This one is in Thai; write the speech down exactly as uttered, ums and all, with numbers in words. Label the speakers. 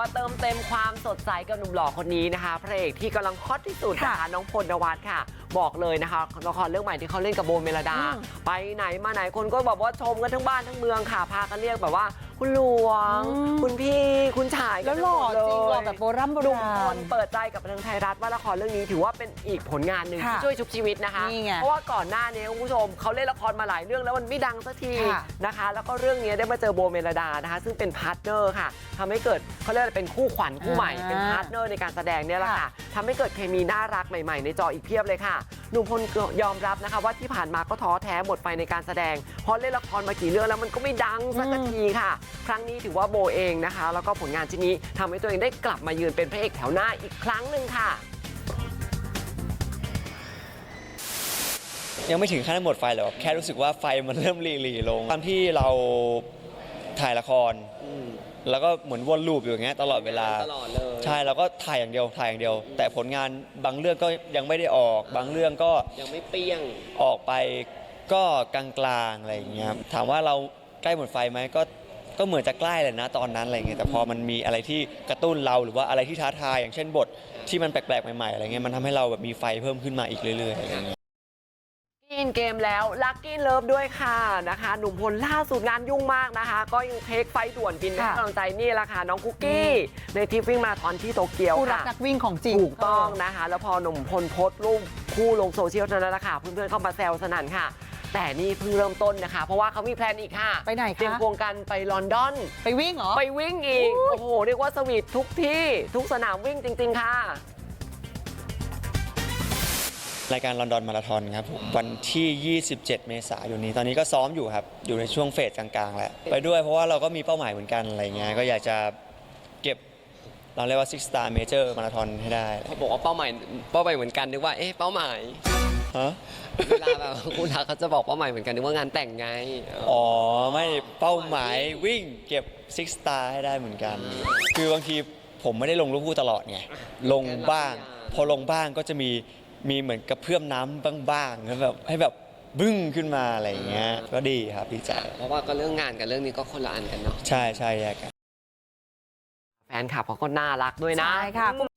Speaker 1: เติมเต็มความสดใสกับหนุ่มหล่อคนนี้นะคะพระเอกที่กำลังฮอตที่สุดนะคะน้องพลนวัตค่ะบอกเลยนะคะละครเรื่องใหม่ที่เขาเล่นกับโบเมลดาไปไหนมาไหนคนก็บอกว่าชมกันทั้งบ้านทั้งเมืองค่ะพากันเรียกแบบว่าคุณหลวงคุณพี่คุณชาย
Speaker 2: แล้วหล่อจริงหล่อแบบโบราณโบราณ
Speaker 1: เปิดใจกับบันเทิงไทยรัฐว่าละครเรื่องนี้ถือว่าเป็นอีกผลงานหนึ่งที่ช่วยชุบชีวิตนะคะเพราะว่าก่อนหน้านี้คุณผู้ชมเขาเล่นละครมาหลายเรื่องแล้วมันไม่ดังสักทีนะคะแล้วก็เรื่องนี้ได้มาเจอโบเมลดานะคะซึ่งเป็นพาร์ทเนอร์ค่ะทำให้เกิดเขาเรียกเป็นคู่ขวัญคู่ใหม่เป็นพาร์ทเนอร์ในการแสดงเนี่ยแหละค่ะทำให้เกิดเคมีน่ารักใหม่ๆในจออีกเพียบเลยค่ะหนุ่มพลยอมรับนะคะว่าที่ผ่านมาก็ท้อแท้หมดไฟในการแสดงเพราะเล่นละครมากี่เรื่องแล้วมันก็ไม่ดังสักทีค่ะครั้งนี้ถือว่าโบเองนะคะแล้วก็ผลงานชิ้นนี้ทำให้ตัวเองได้กลับมายืนเป็นพระเอกแถวหน้าอีกครั้งหนึ่งค่ะ
Speaker 3: ยังไม่ถึงขั้นหมดไฟหรอกแค่รู้สึกว่าไฟมันเริ่มรีรีลงตอนที่เราถ่ายละครแล้วก็เหมือนวนลูปอยู่อย่างเงี้ยตลอดเวลา
Speaker 1: ตลอดเลย
Speaker 3: ใช่เราก็ถ่ายอย่างเดียวถ่ายอย่างเดียวแต่ผลงานบางเรื่องก็ยังไม่ได้ออกบางเรื่องก็
Speaker 1: ยังไม่เปี้ยง
Speaker 3: ออกไปก็กลางๆอะไรอย่างเงี้ยถามว่าเราใกล้หมดไฟไหมก็ก็เหมือนจะใกล้เลยนะตอนนั้นอะไรเงี้ยแต่พอมันมีอะไรที่กระตุ้นเราหรือว่าอะไรที่ท้าทายอย่างเช่นบทที่มันแปลกๆใหม่ๆอะไรเงี้ยมันทำให้เราแบบมีไฟเพิ่มขึ้นมาอีกเรื่อยๆอะไรเงี้ย
Speaker 1: กินเกมแล้วลัคกี้เลิฟด้วยค่ะนะคะหนุ่มพลล่าสุดงานยุ่งมากนะคะก็ยังเทคไฟด่วนบินให้กำลังใจนี่แหละค่ะน้องคุกกี้ในทริปวิ่งมาราธอนที่โตเกียวค่ะ
Speaker 2: ผู้รักนักวิ่งของจริง
Speaker 1: ถูกต้องนะคะแล้วพอหนุ่มพลโพสต์รูปคู่ลงโซเชียลเท่านั้นแหละค่ะเพื่อนๆเข้ามาแซวสนั่นค่ะแต่นี่เพิ่งเริ่มต้นนะคะเพราะว่าเขามีแพลนอีกค่ะ
Speaker 2: ไปไหนคะ
Speaker 1: เตรียมควงกันไปลอนดอน
Speaker 2: ไปวิ่งเหรอ
Speaker 1: ไปวิ่งอีกโอ้โหเรียกว่าสวีททุกที่ทุกสนามวิ่งจริงๆค่ะ
Speaker 3: รายการลอนดอนมาราธอนครับวันที่ ยี่สิบเจ็ด เมษายนนี้ตอนนี้ก็ซ้อมอยู่ครับอยู่ในช่วงเฟสกลางๆแล้วไปด้วยเพราะว่าเราก็มีเป้าหมายเหมือนกันอะไรเงี้ยก็อยากจะเก็บเราเรียกว่า Six Star Major Marathon ให้ได้
Speaker 1: เขาบอกว่าเป้าหมายเป้าหมายเหมือนกันนึกว่าเอ๊ะเป้าหมาย
Speaker 3: ฮะ
Speaker 1: เวลาแบบคุณทักเขาจะบอกเป้าหมายเหมือนกันนึกว่างานแต่งไง
Speaker 3: อ๋อไม่เป้าหมายวิ่งเก็บ Six Star ให้ได้เหมือนกันคือบางทีผมไม่ได้ลงรูปคู่ตลอดไงลงบ้างพอลงบ้างก็จะมีมีเหมือนกระเพื่อมน้ำบ้างๆแบบให้แบบบึ้งขึ้นมาอะไรอย่างเงี้ยก็ดีครับดีใจ
Speaker 1: เพราะว่าก็เรื่องงานกับเรื่องนี้ก็คนละอันกันเนาะ
Speaker 3: ใช่ใช่แยกกัน
Speaker 1: แฟนคลับเขาก็น่ารักด้วยนะ
Speaker 2: ใช่ค่ะ